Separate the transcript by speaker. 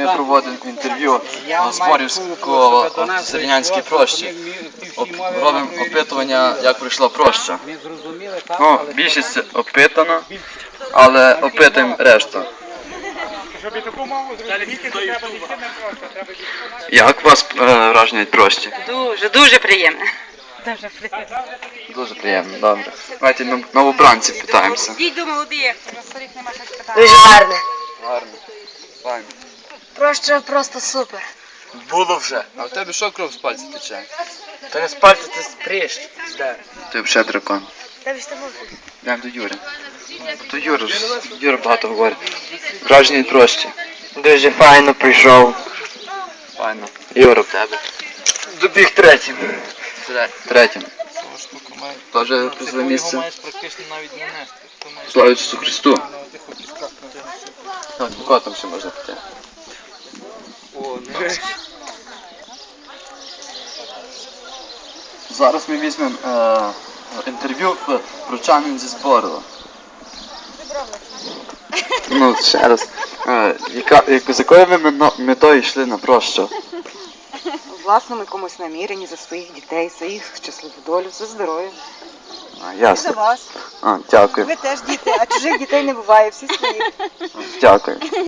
Speaker 1: ми проводимо інтерв'ю Зборівського в Зернянській прощі. Робимо опитування, як пройшла проща. Ну, більшість опитана, але опитуємо решту. Як у вас враження від прощі?
Speaker 2: Дуже приємно.
Speaker 1: Дуже приємно, добре. Давайте новобранців питаємося.
Speaker 2: Дійду молодих.
Speaker 3: Дуже гарне.
Speaker 1: Гарно. Файно.
Speaker 3: Проща просто супер.
Speaker 1: Було вже. А в тебе що кров з пальця тече?
Speaker 4: Та не спальте, це спріж.
Speaker 1: Ти взагалі дракон.
Speaker 3: Та ж тому.
Speaker 1: Йдемо до Юри. То Юра багато говорить. Враження від прощі.
Speaker 4: Дуже файно прийшов.
Speaker 1: Файно. Юра, в тебе.
Speaker 4: Добіг третім.
Speaker 1: Третім. Тоже призове місце. Слава Ісусу Христу. Так, кого там ще можна піти? Зараз ми візьмемо інтерв'ю в прочанин зі Зборова. Ну, ще раз. З якою ви метою йшли на прощу?
Speaker 5: У власному якомусь наміренні за своїх дітей, за їх щасливу долю, за здоров'я. За
Speaker 1: Ясно.
Speaker 5: вас.
Speaker 1: Дякую.
Speaker 5: Ви теж діти, а чужих дітей не буває, всі свої.
Speaker 1: Дякую.